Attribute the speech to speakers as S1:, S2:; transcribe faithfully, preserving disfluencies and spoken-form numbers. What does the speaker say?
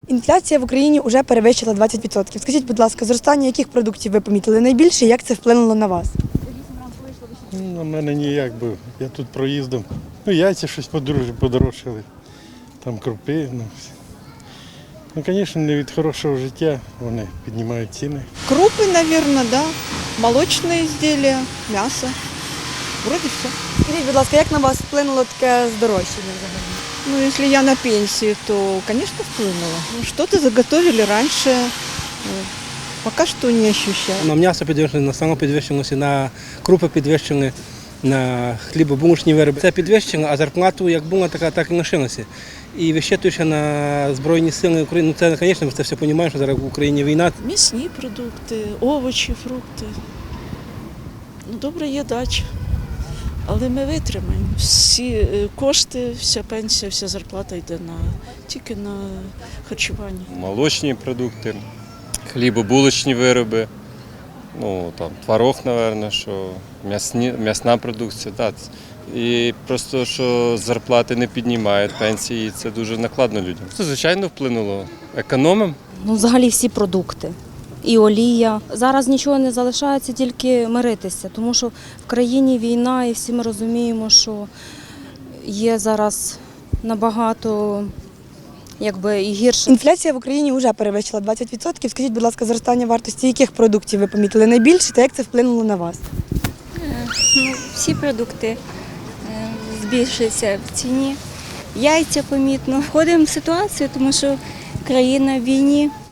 S1: Інфляція в Україні вже перевищила двадцять відсотків. Скажіть, будь ласка, зростання яких продуктів ви помітили найбільше і як це вплинуло на вас?
S2: Ну, на мене ніяк, бо я тут проїздом. Ну, яйця щось подорож- подорожчали, там крупи. Ну, ну, звісно, не від хорошого життя вони піднімають ціни.
S3: Крупы, наверное, да. Молочные изделия, мясо. Вроде все.
S1: Скажіть, будь ласка, як на вас вплинуло таке здорожчання взагалі?
S3: Ну, если я на пенсии, то, конечно, вплынуло. Ну, что-то заготовили раньше. Ну, пока что не ощущаю.
S4: На м'ясо підвищено, на сало підвищилося, на крупи підвищили, на хлібобулочні вироби. Це підвищено, а зарплату як була, така так і лишилася. І вищитуючи на Збройні Сили України, ну це, звісно, ми це все розуміємо, що зараз в Україні війна.
S5: М'ясні продукти, овочі, фрукти. Ну, добре, є дача. Але ми витримаємо. Всі е, кошти, вся пенсія, вся зарплата йде на, тільки на харчування.
S6: Молочні продукти, хлібобулочні вироби, ну там творог, мабуть, що м'ясні, м'ясна продукція. Так. І просто, що зарплати не піднімають, пенсії, це дуже накладно людям. Це, звичайно, вплинуло. Економимо.
S7: Ну, взагалі всі продукти. І олія. Зараз нічого не залишається, тільки миритися, тому що в країні війна і всі ми розуміємо, що є зараз набагато якби, і гірше.
S1: Інфляція в Україні вже перевищила двадцять відсотків. Скажіть, будь ласка, зростання вартості яких продуктів ви помітили найбільше та як це вплинуло на вас?
S8: Ну, всі продукти е, збільшуються в ціні. Яйця помітно. Входимо в ситуацію, тому що країна в війні.